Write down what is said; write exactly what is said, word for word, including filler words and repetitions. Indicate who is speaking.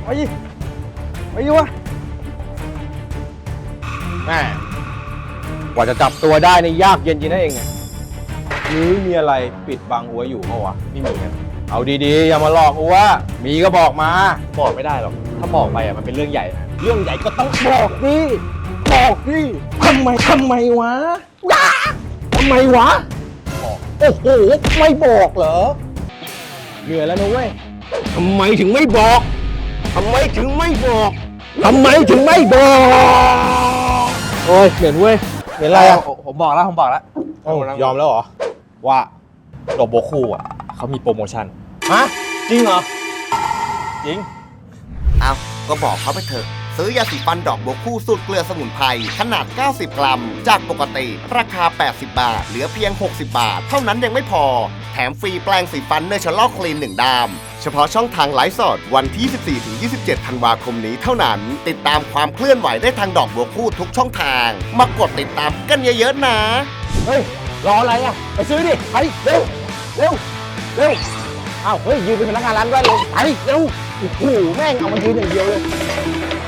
Speaker 1: ไปไปดิวะแม่กว่าจะจับตัวได้ในยากเย็นจริงนะเองเนี่ยหรือมีอะไรปิดบังอัวอยู่เปล่าวะไม่มีครับเอาดีๆอย่ามาหลอกอัวมีก็บอกมาบอกไม่ได้หรอกถ้าบอกไปอ่ะมันเป็นเรื่องใหญ่นะเรื่องใหญ่ก็ต้องบอกดิบอกดิทำไมทำไมวะว้าทำไมวะบอกโอ้โหไม่บอกเหรอเหนื่อยแล้วนะเว้ยทำไมถึงไม่บอกทำไมถึงไม่บอกทำไมถึงไม่บอกโอ้ยเหนื่อยเว้ยเหนื่อยอะไรอ่ะผมบอกแล้วผมบอกแล้วยอมแล้วเหรอว่าดอกโบคูอ่ะเขามีโปรโมชั่นฮะจริงเหรอจริง
Speaker 2: เอาก็บอกเขาไปเถอะซื้อยาสีฟันดอกบัวคู่สูตรเกลือสมุนไพรขนาดเก้าสิบกรัมจากปกติราคาแปดสิบบาทเหลือเพียงหกสิบบาทเท่านั้นยังไม่พอแถมฟรีแปรงสีฟันเนเชอรัลคลีนหนึ่งดามเฉพาะช่องทางไลฟ์สดวันที่ ยี่สิบสี่ถึงยี่สิบเจ็ด ธันวาคมนี้เท่านั้นติดตามความเคลื่อนไหวได้ทางดอกบัวคู่ทุกช่องทางมากดติดตามกันเยอะๆนะ
Speaker 1: เฮ้ยรออะไรอ่ะไปซื้อดิไปเร็วเร็วเร็วอ้าวเฮ้ยยืนเป็นพนักงานร้านด้วยเลยไปเร็วโอ้โหแม่งเอามายืนอย่างเดียวเลย